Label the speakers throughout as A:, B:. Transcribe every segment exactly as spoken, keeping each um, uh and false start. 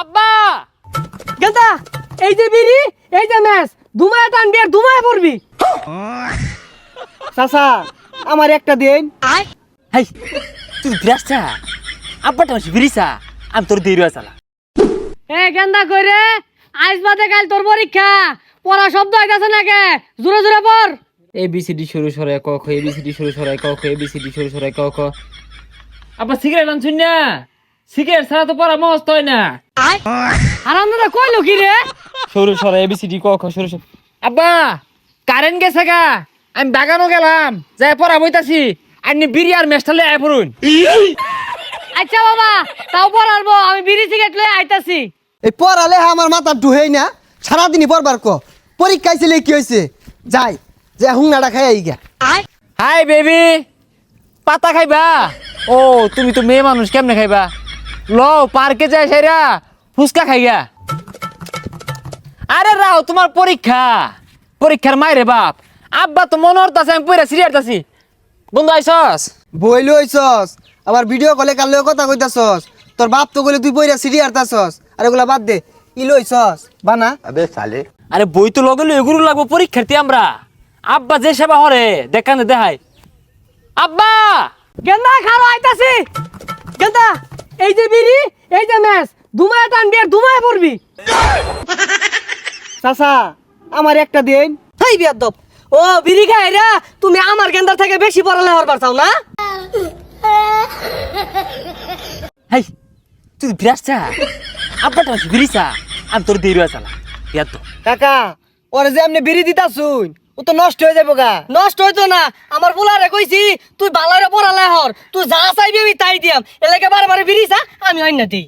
A: আব্বা
B: গেন্দা এই যে বিড়ি এই যে ম্যাচ ধুমায় টানবি আর ধুমায় পড়বি।
C: চাচা আমার একটা দিন।
A: হাই তুই বিরাসা আব্বা তো বিরিসা আমি তোর দেরি চালা।
B: এ গেন্দা কইরে আজ বাদে কাল তোর পরীক্ষা পড়া শব্দ আইতাছে নাকি জোরে জোরে পড়।
A: এ বি সি ডি শুরু সরাই ক খ এ বি সি ডি শুরু সরাই ক খ এ বি সি ডি শুরু সরাই ক খ। আব্বা সিগারেট আনছুন না? সিগারেট ছাড়া তো পড়া মস্ত হয় না।
B: হারামদাদা কইলো কি রে?
A: শুরু সরাই এ বি সি ডি ক খ শুরু সরাই। আব্বা কারেন্ট গেছে গা, আমি বাগানও গেলাম যাই পড়া বইতাছি। আপনি বিড়ি আর মেস্টালে আয় পড়ুন।
B: আচ্ছা বাবা তাও পড়ারবো, আমি বিড়ি সিগারেট লয়ে আইতাছি।
C: এই পড়ালে আমার মাথা ঢুহেই না, সারাদিনই পড়বার ক। পরীক্ষায় ছিল কি হয়েছে, যাই যে হুংনাটা খাই আই গা।
A: হাই বেবি, পাতা খাইবা? ও তুমি তো মেয়ে মানুষ, কেমনে খাইবা? ল পার্কে যাই সেরা ফুচকা খাইয়া। আরে রাও তোমার পরীক্ষা, পরীক্ষার মাইরে বাপ। আব্বা তো মনে হতাছে আমি পড়া সিরিয়ারতাছি। বন্ধু আইসস?
C: বই লইছস আবার ভিডিও কলে কাল লয়ে কথা কইতাছস। তোর বাপ তো কইলে তুই পইরা সিডি আরতাছস। আর এগুলা বাদ দে, ই লইছস বানা।
D: अबे साले
A: আরে বই তো লগে লই এগুলো লাগবো পরীক্ষার্থী আমরা। আব্বা যে সেবা হরে দেখানে দেখাই। আব্বা
B: গেন্দা খালো আইতাছি। গেন্দা এই যে বিড়ি এই যে ম্যাচ ধুমায় টানবি আর ধুমায় পড়বি।
C: চাচা আমার একটা দিন।
B: হাই বিয়াদব, ও বিড়ি খাই রে তুমি আমার গেন্দার থেকে বেশি পড়ালে হরবার চাও না?
A: হাই তুই বিরাসা আব্বা তো বিরিসা আমি তোর দেরি চালা। ইয়াদ তো
C: কাকা ওরে যে এমনি বিড়ি দিতাছুন, ও তো নষ্ট হয়ে যাবো গা।
B: নষ্ট হইতো না, আমার বুলারে কইছি তুই বালারে পড়ালে হর, তুই যা চাইবি আমি তাই দিয়াম। এলাকে বারে বারে বিড়ি চা আমি অন্য দিই।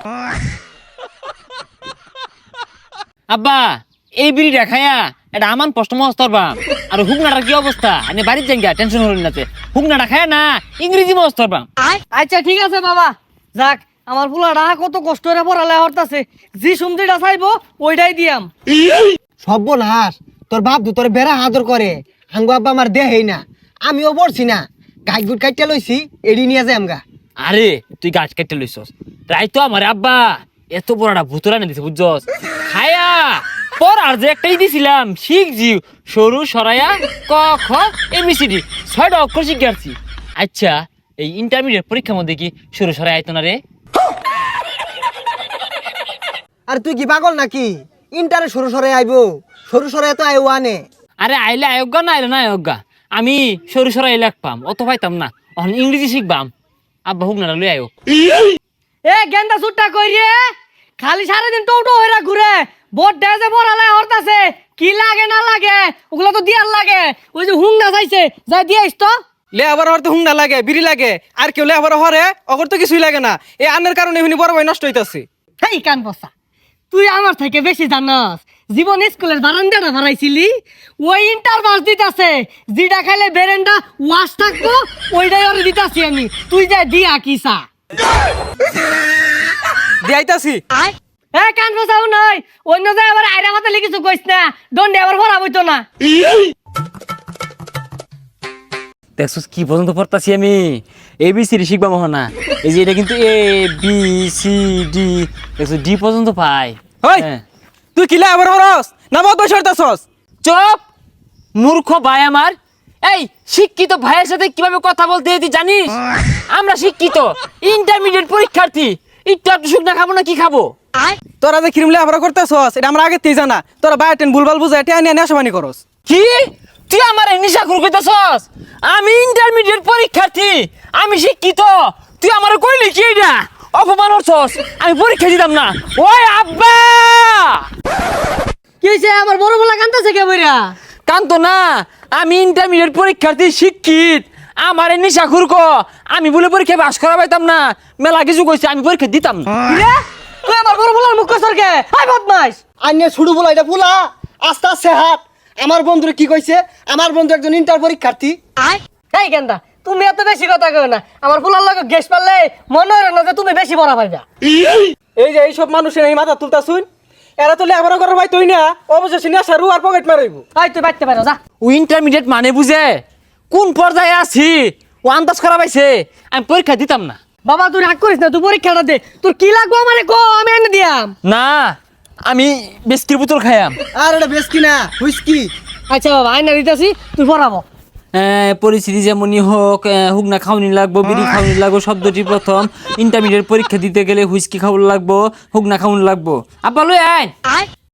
A: আব্বা এই বিড়িটা খায়া এটা আমার কষ্ট মস্তর বাম। আর হুকনাটার কি অবস্থা? আমি বাড়ির জায়গা টেনশন হল না। হুকনাটা খায় না ইংরেজি মস্তর বাম।
B: আচ্ছা ঠিক আছে বাবা, যাক আমার বুলারা কত কষ্ট করে পড়ালে হরতাছে, জি সুমদিটা চাইবো ওইটাই দিয়াম।
C: সর্বনাশ, তোর বাপ তো তোর বেড়া আদর করে, হাঙ্গু আব্বা আমার দেহেই না। আমিও পড়ছি না, গাছ গুট কাইটা লইছি, এড়ি নিয়ে যাই আমগা।
A: আরে তুই গাছ কেটে লইছস তাই তো আমার আব্বা এত বড়টা ভুতুরা না দিছে বুঝছস। খায়া পর আর যে একটাই দিছিলাম শিখ জি সরু সরাইয়া ক খ এবিসিডি ছয়টা অক্ষর শিখাচ্ছি। আচ্ছা এই ইন্টারমিডিয়েট পরীক্ষার মধ্যে কি সরু সরাই আইতো না রে?
C: আর তুই কি পাগল নাকি? ইন্টারে সরু সরে আইবো, সরু সরে তো আইও আনে।
A: আরে আইলে আয়োগা না আইলে না আয়োগা, আমি সরু সরাই লেখপাম অত পাইতাম না। এখন ইংরেজি শিখবাম। আব্বা হুক না লই আয়োগ।
B: এ গেন্দা সুট্টা কই রে, খালি সারাদিন টোটো হইরা ঘুরে বোট ডেজে পড়ালে হরতাছে। কি লাগে না লাগে ওগুলো তো দিয়ার লাগে। ওই যে হুং না চাইছে যাই দিয়াইস তো।
E: লে আবার হরতে হুংনা লাগে, বিড়ি লাগে, আর কেউ লে আবার হরে অগর তো কিছুই লাগে না। এই আন্নের কারণে এমনি বড় ভাই নষ্ট হইতাছে।
B: হেই কান বসা, তুই আমার থেকে বেশি জানাস। জীবন স্কুলের বারান্দাটা ভাড়াইছিলি, ওই ইন্টার বাস দিতাছে। যেটা খাইলে বেরেন্ডা ওয়াশ থাকবো ওইটাই ওরে দিতাছি আমি। তুই যা দিয়া কিসা
E: দিয়াইতাছি।
B: এ কান বসাও নয়, অন্য যায় আবার আইরা মাথা লিখিছো কইস না, দণ্ডে আবার ভরা বইতো না।
A: দেখছিস কি পর্যন্ত পড়তাছি আমি? এ বি সি ডি শিখবা মহা না। এই যে এটা কিন্তু এ বি সি ডি দেখছো ডি পর্যন্ত পাই।
E: হই
A: হ্যাঁ।
E: তুই কিলে আবার হরস না বহুত বয়স হরতাছস?
A: চুপ মূর্খ ভাই আমার। এই শিক্ষিত ভাইয়ের সাথে কিভাবে কথা বলতে হয় তুই জানিস? আমরা শিক্ষিত ইন্টারমিডিয়েট পরীক্ষার্থী, একটু একটু শুকনা খাবো না কি খাবো?
E: তোরা যে ক্রিম লে আবার করতেছস এটা আমরা আগে তেই জানা। তোরা বায়োটেন ভুলভাল বুঝাই টেয়া নিয়ে নেশাবানি করস।
A: কি তুই আমার নিশা খুর কইতাছস? আমি ইন্টারমিডিয়েট পরীক্ষার্থী, আমি শিক্ষিত, তুই আমার কইলি কি এটা? অপমান করছস, আমি পরীক্ষা দিতাম না। ওই আব্বা
B: কি হইছে আমার বড় বলা কান্দাছে কে বইরা?
A: কান্ত না, আমি ইন্টারমিডিয়েট পরীক্ষার্থী শিক্ষিত, আমার নিশা খুর ক আমি বলে পরীক্ষা পাস করা পাইতাম না। মেলা কিছু কইছে আমি পরীক্ষা দিতাম না।
B: কিরে তুই আমার বড় বলার মুখ কসর কে? হাই বদমাইশ।
C: আইনে ছুড়ু বলা এটা ফুলা, আস্তে আস্তে হাত। আমার বন্ধুরে কি কইছে? আমার বন্ধু একজন ইন্টার পরীক্ষার্থী।
B: এই গেন্দা তুমি এত বেশি কথা কও না। আমার ফুলার লগে গ্যাস পারলে মনে হয় না যে তুমি বেশি বড় পাইবা।
E: এই যে এইসব মানুষের এই মাথা তুলতাছুন, এরা তো লে আবার করার ভাই তুই না অবশেষে নেশা রু আর পকেট মারাইব।
B: হাই তুই বাইতে পারো যা।
A: ও ইন্টারমিডিয়েট মানে বুঝে কোন পর্যায়ে আছি ও আন্দাজ করা পাইছে, আমি পরীক্ষা দিতাম না।
B: বাবা তুই রাগ করিস না, তুই পরীক্ষাটা দে। তোর কি লাগবো আমারে কো, আমি এনে দিয়াম।
A: না আমি বিস্কির বোতল খাইয়াম।
C: আর এটা বেশ কিনা হুইস্কি।
B: আচ্ছা বাবা আইনা দিতেছি, তুই পড়াবো।
A: আহ, পরিস্থিতি যেমনই হোক, আহ, হুগনা খাওয়ানি লাগবো, বিড়ি খাওয়ানি লাগবো। শব্দটি প্রথম ইন্টারমিডিয়েট পরীক্ষা দিতে গেলে হুইস্কি খাওয়ানি লাগবো, হুগনা খাওয়ানি লাগবো। আব্বা লই আয়।